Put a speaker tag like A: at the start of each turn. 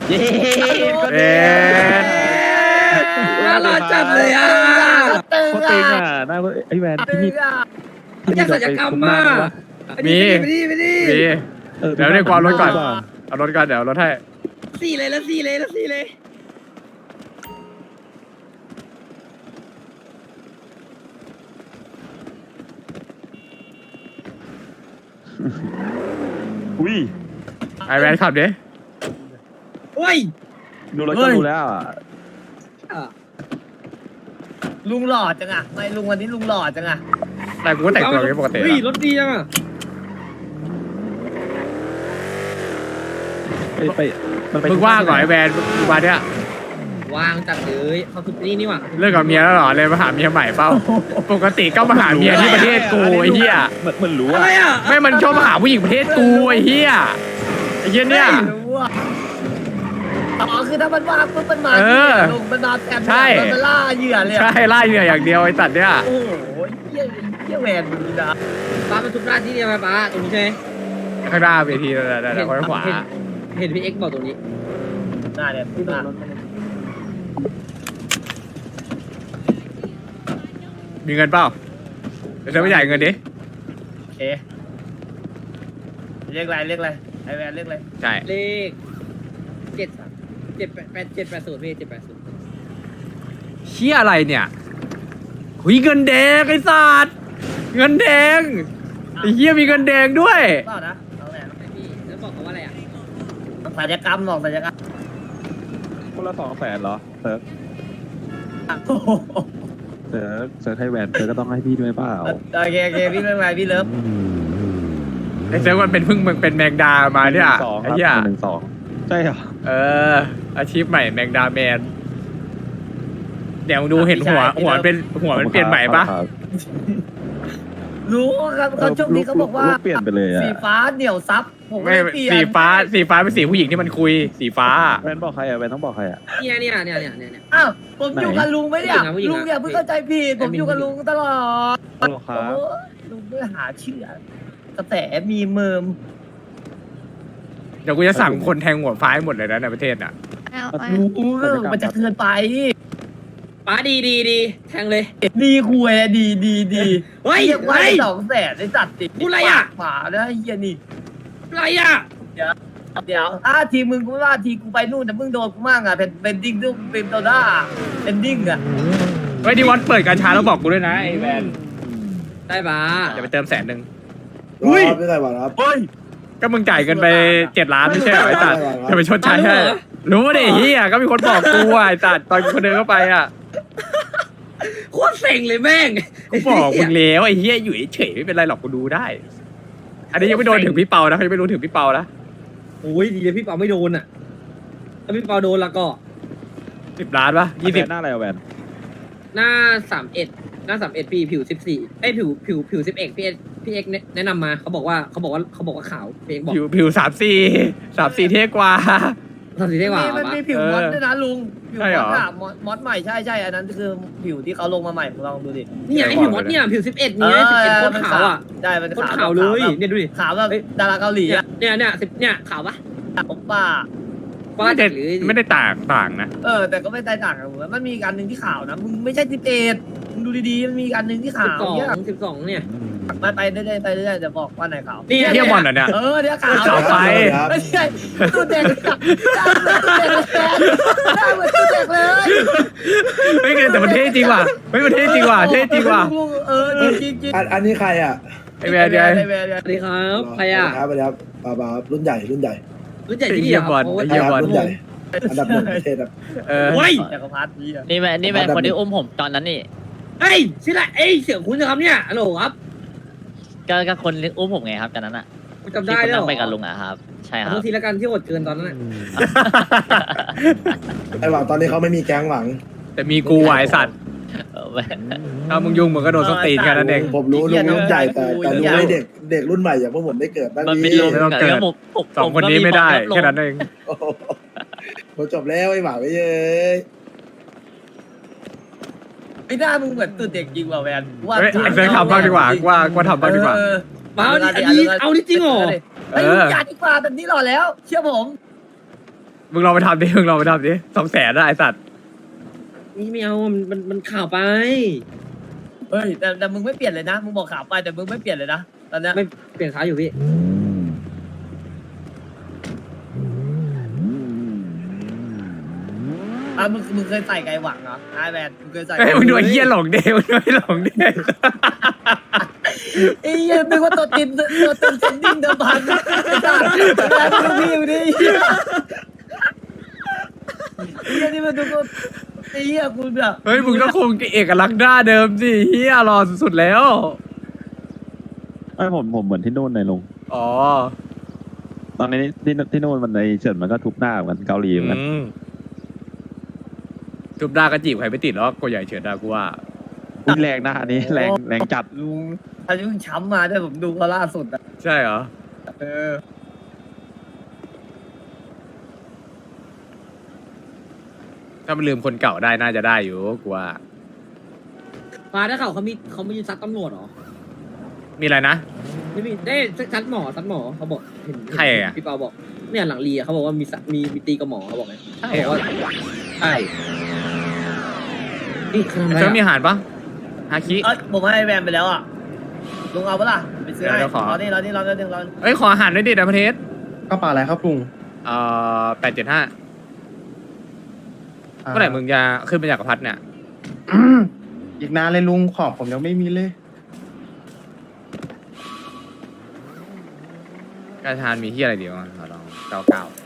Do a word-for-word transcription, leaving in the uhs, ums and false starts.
A: เย้
B: เอ๊ะ
A: น่ารักจัดเลยอ่ะ
C: ตึง
D: โคตร
C: อ่ะ
D: เต็งอ่ะน่าไอ้แวน
C: ตึ
D: ที่
C: ง
D: นี่
C: อ่ะ
D: ที่
A: อยา
D: นี่
A: กศัลยกรรม
D: มา
A: มามีไปดิไปดิ
B: มี
D: เออ
B: เดี๋ยวเรียกความรถก่อน
D: ดีว่า
B: เอารถก่อนเดี๋ยวเอารถให้
A: สี่เลยแล้วสี่เลยแล้วสี่เลย
D: อุ้ย
B: ไอแวนขับดิ
A: โอ้ย
D: ดูแล้วก็รู้แล้วอ่ะ
C: ลุงหล่อจังอ่ะไม่ลุงวันนี้ลุงหล่อจังอ่ะ
B: แต่กูก็แต่งตัวอย่างนี้ปกติ
A: เฮ้ยร
B: อะ
A: ถดีจังอ่ะ
D: ไปไปมันไป
B: มึงว่างก่อนไอแวนมึงมาเนี่ย
A: วางจัดเลยเขาทุบนี่นี่หว่า
B: เลิกกับเมียแล้วเหรอเลยมาหาเมียใหม่เปล่าปกติก็มาหาเมียที่ประเทศกูไอ้เหี้ย
D: มันมันรู้
A: อะ
D: อ่ะ
A: ไรอ่ะ
B: ไม่มันชอบมาหาผู้หญิงประเทศกูไอ้เหี้ยไอ้เหี้ยเนี่ย
C: ไม่รู้อ่ะอ๋อคือถ้ามันว่างปุ๊บมันมา
B: เออ
C: ลุงมันมาแอบ
B: ใช่
C: มันมาล่าเหยื่อเลย
B: ใช่ไล่เหนื่อยอย่างเดียวไอ้ตัดเนี่ย
C: โอ้โหเยี่ยเยี่ยแหวนมึงนะ
A: ป้ามันทุบหน้าที่เดียวไหมป้าตรงนี้ใช่ไหม
B: ข้างหน้าเวทีนั่นแหละนั่นแหละข้างขวา
A: เห็นเห็นพี่เอ็กซ์บอกตรงนี้
C: หน้าเนี่ยหน้า
B: มีเงินเปล่าเดี๋ยวไม่จ่ายเงินดิ
C: โอเคเรียกอะไรเรียกอะไรไอแหวนเรียกอะไร
B: ใช่
A: เลขเจ็ดสามเจ็ดแปดแปดเจ็ดแปดศูนย์พี่เจ็ดแปดศูนย์
B: เชี่ยอะไรเนี่ยหุยเงินแดงไอ้สัตว์เงินแดงไอ้เหี้ยมีเงินแดงด้วย
C: เปล่านะเอาแหวน
A: ไอพี่แล้วบอกเขาว่าอะไรอ่ะ
C: ศัลยกรรมหรอกศัลยกรรม
D: คนละสองแสนเหรอเซิร์ฟ
C: โอ้โห
D: เซิร์ฟเซิร์ฟให้แวนเซิร์ฟก็ต้องให้พี่ด้วยเปล่า
C: โอเคโอเคพี่เลิฟไปพี่เลิฟ
B: ไอ้เซลมันเป็นพึ่งมึงเป็นแมงดามาเนี่ย
D: สอง
B: ไอ้
D: ครับ
B: เหี้ย
D: หนึ่งสองใช่เหรอ
B: เออ อาชีพใหม่แมงดาแมนเดี๋ยวมึงดูเห็นหัวหัวเป็นหัวมันเปลี่ยนใหม่ปะ
D: ครับ
C: รู้ครับเขาช่วงนี้เขาบอกว่า
D: ลูเปลี่ยนไปเลยอ่ะ
C: สีฟ้าเหนียวซับผม
B: ไม่
C: ไม่เปลี่ยน
B: สีฟ้าสีฟ้าเป็นสีผู้หญิงที่มันคุย สีฟ้า
D: แวนบอกใครอ่ะแวนต้องบอกใครอ่ะ
A: เนี่ยเนี่ยเนี่ยเนี่ยเนี่ย
C: อ้าวผมอยู่กับลุงไหมเนี่ย
A: ผู้หญิงนะผู้หญิงนะ
C: ลุงอย่าเพิ่งเข้าใจผิดผมอยู่กับลุงตลอด
D: ฮัลโหลครับ
C: โอ้ลุงด้วยหาเชื่อกระแสมีเมิม
B: เดี๋ยวกูจะสั่งคนแทงหัวฟ้าให้หมดเลยนะในประเทศอ่ะ
E: เอาไป
C: รู้เรื่องมันจะเกินไป
A: ป้าดีดีดีแทงเลย
C: ดีคุยดีดีดี
A: เฮ้ย
C: เรียกว่า
A: เฮ้ย
C: สองแสนในจัดติด
A: พูดอะไรอะ
C: หมานะไอ้เฮียนี่
A: อะไรอ่ะ
C: เดี๋ยวถ้าทีมึงกูไม่ว่าทีกูไปนู่นแต่มึงโดนกูมั่งอ่ะเป็นเป็นดิ้งด้วยเป็นโดด้าเป็นดิ้งอ่ะ
B: เฮ้ยที่วัดเปิดการช้าแล้วบอกกูด้วยนะไอ้แวน
A: ได้ป้า
B: จะไปเติมแสนหนึ่ง
F: อุ้ยไม่ได้หวานครับ
B: เฮ้ยก็มึงจ่ายเงินไปเจ็ดล้านไม่ใช่เหรอไอ้ตัดจะไปชดใช้ให้รู้ดิเฮียก็มีคนบอกกูอ่ะไอ้ตัดตอนคนเดินเข้าไปอ่ะ
A: โคตรเซ็งเลยแม่ง
B: กูบอกมึงแล้วไอ้เฮียอยู่เฉยๆไม่เป็นไรหรอกกูดูได้ อันนี้ยังไม่โดนถึงพี่เปานะยังไม่รู้ถึงพี่เปานะ
A: โอ้ยดีเลยพี่เปาไม่โดนอ่ะถ้าพี่เปาโดนแล้วก็
B: สิบล้านปะยี่สิบ
D: หน้าอะไรอ่ะแวน
A: หน้าสามเอ็ดหน้าสามเอ็ดปีผิวสิบสี่ไอยผิวผิวผิวสิบเอ็ดพี่เอ็กพี่เอ็กแนะนำมาเขาบอกว่าเขาบอกว่าเขาบอกว่าขาวพี่เอ็กบอก
B: ผิวผิวสามสี่สามสี่เท่กว่า
A: ทำสีได้กว่า
C: มัน
A: ปะ
C: มีผิวมอส
B: เออ
C: ด้วยนะลุงผิว
B: ใช่
C: ม
B: เหร
C: อ
B: อ
C: สอะมอสมอสใหม่ใช่ใช่อันนั้นคือผิวที่เขาลงมาใหม่ลองดูดิ
A: นี่ไงผิวมดเนี่ยผิวสิบเอ็ดนี่สิบเอ็ดโคตรขาวอ่ะ
C: ใช่มัน
A: โคตรขาวเลยเนี่ยดูดิ
C: ขาวแบบดาราเกาหลี
A: เนี่ย
C: อะ
A: เนี่ยเนี่ยสิบเนี่ยขาวปะ
C: ผมป้า
A: ป้า
B: ไม่ได้
A: หรือ
B: ไม่ได้ต่างต่างนะ
C: เออแต่ก็ไม่แตกต่างกันมันมีการหนึ่งที่ขาวนะมึงไม่ใช่สิบเอ็ดมึงดูดีๆมันมีการหนึ่งที่
A: สิ
C: ขา
A: บ
C: ว
A: สอง
C: เนี่ย
A: สิบสองเนี่ย
C: ไปไปเรื่อยๆไปเรื่อยๆจะบอกว่าไหนขาว
A: นี่
B: เที่ยวบอลเหรอเนี่ย
C: เออเนี่ยขาว
B: ขาวไป
C: ไม่ใช่ตู้เด็กหน้าเหมือนตู้เด็กเลยหน้าเหมือนตู้เด็กเลย
B: ไม่เกินแต่มันเท่จริงว่ะเฮ้ยมันเท่จริงว่ะเท่จริงว่ะ
C: เออจริงจริง
F: อันอันนี้ใครอ่ะ
B: ไอ้แวนไง
C: ไอ้แวนไอ้แวน
A: สวัสดีครับใครอ่ะ
F: ครับสวัสดีครับบาบารุ่นใหญ่รุ่นใหญ่
A: รู้จัก
B: ไอ้
A: ที่
B: เหี้
A: เดี
B: ย
A: ยว
B: บอล
A: โอ้
B: ไอ้
A: ย
B: เหี้ยบอล
F: รุ่นใหญ่ อันดับหนึ่งประเทศครับ
B: เออ
A: โอ้ย
C: จักรพรรดินี่อะ
E: นี่แม่นี่แม่คนที่อุ้มผมตอนนั้นนี่
A: เฮ้ยชื่ออะไรเอ้ยเสียงคุณนะครับเนี่ยฮัลโหลครับ
E: ก็ก็คนที่อุ้มผมไงครับตอนนั้นอ่ะ
A: คุณจำ
E: ที่
A: ได้
E: คุณ
A: แล้ว
E: นั่งไปกับลุงอะครับ ใช่ค
A: ขอ
E: รั
A: โท
E: บ
A: ษทีแล้วกันที่อดเกินตอนนั้น
F: ไอ้หวังตอนนี้เขาไม่มีแก๊งหวัง
B: แต่มีกูอ่ะไอ้สัตว์
E: เออแม่
B: ถ้ามึงยุ่งมึงก็โดนส้นตีนแค่นั้นเอง
F: ผมรู้ลุงรุ่นใหญ่แต่แต่รู้ให้เด็กเด็กรุ่นใหม่อย่างพวกผมได้เกิดบ้าง
E: มันเป็น
F: นี่
E: ลุง
B: ไม่ต้องเกิด
E: แล้วผมผม
B: สองคนนี้ไม่ได้แค่นั้นเอง
F: โอ้โหผมจบแล้วไอ้หวังไม่เย้ย
C: ไอ้หน้ามึงเหมือนตื่นเด็กจริงว่ะแวน
B: เฮ้ยไอ้เซนทำบ้างดีกว่าว่าว่าทำบ้างดีกว่า
C: เออ
A: มาเอาดิอันนี้เอานี่จริงเหรอ
C: ไอ้ยลุงอย่าดีกว่าแบบนี้หล่อแล้ว เชื่อผม
B: มึงลองไปทำดิมึงลองไปทำดิสองแสนได้ไอสัตว์
A: นี่ไม่เอามันมันมันข่าวไป
C: เฮ้ยแต่แต่มึงไม่เปลี่ยนเลยนะมึงบอกข่าวไปแต่มึงไม่เปลี่ยนเลยนะตอนเนี้ย
A: ไม่เปลี่ยนขาอยู่พี่
C: อ่ะมึงมึงเคยใส่ไก่หวังเหรอไอแมนมึงเคยใส่
B: เฮ้ยมึงดูไอ้เหี้ยหลงเดมึงดูไอ้หลงเด
C: ไอ้เหี้ยนึกว่าตัวตินตัวตินเซนดิ้งเดิมพันไอ้สัสแล้วมึงพี่มึงดิไอ้เหี้ยนี่มันดูก็ไอ้เหี้ยกูแบบ
B: เฮ้ยมึงต้องคงเอกลักษณ์หน้าเดิมสิเฮียรอสุดๆแล้ว
D: ไอ้ยผมผมเหมือนที่นู่นเลยลุง
B: อ๋อ
D: ตอนนี้ที่ที่นู่นมันในเฉินมันก็ทุบหน้าเหมือนกันเกาหลีเหมือนกัน
B: อืมจุบหน้าก็จีบใครไม่ติดหรอกกูใหญ่เฉินดากูว่า
D: อุ้ยแรงนะอันนี้แรงแรงจัด
C: ลุงอายุช้ำมาด้วยผมดูเขาล่าสุดอะ
B: ใช่เหรอ
C: เออ
B: ถ้ามันลืมคนเก่าได้น่าจะได้อยู่กูว่า
A: ฟ้าได้ข่าวเขามีเขามีซัดตำรวจเหรอ
B: มีอะไรนะ
A: ไม่มีได้ซัดหมอซัดหมอเขาบอกเห็น
B: ใครอะ
A: พี่เปาบอกเนี่ยหลังเรียเขาบอกว่ามีซัดมีมีตีกับหมอเขาบอกไง
B: ใช่
A: เขา
B: เห
A: บ
B: ร
A: อก
B: อ
A: ว่าใช่นี่คืออะไร
B: เจ้ามี
A: อะ
B: อาหารปะฮาคิ
C: เอ้ยผมให้แวนไปแล้วอ่ะลุงเอาปะล่ะไปซื้อให้
B: เดี๋ยวขอ
C: รอนี่รอนี่รอนี่รอนี่
B: เอ้ยขออาหารด้วยดินะประเทศ
G: กระเป๋าอะไรครับลุง
B: เอ่อแปดเจ็ดห้าเมื่อไหร่มึงจะขึ้นมาจากกระพัดเนี่ย
G: อีกนานเลยลุงของผมยังไม่มีเลย
B: กระชานมีที่อะไรดีบ้างขอลองเก้าเก้า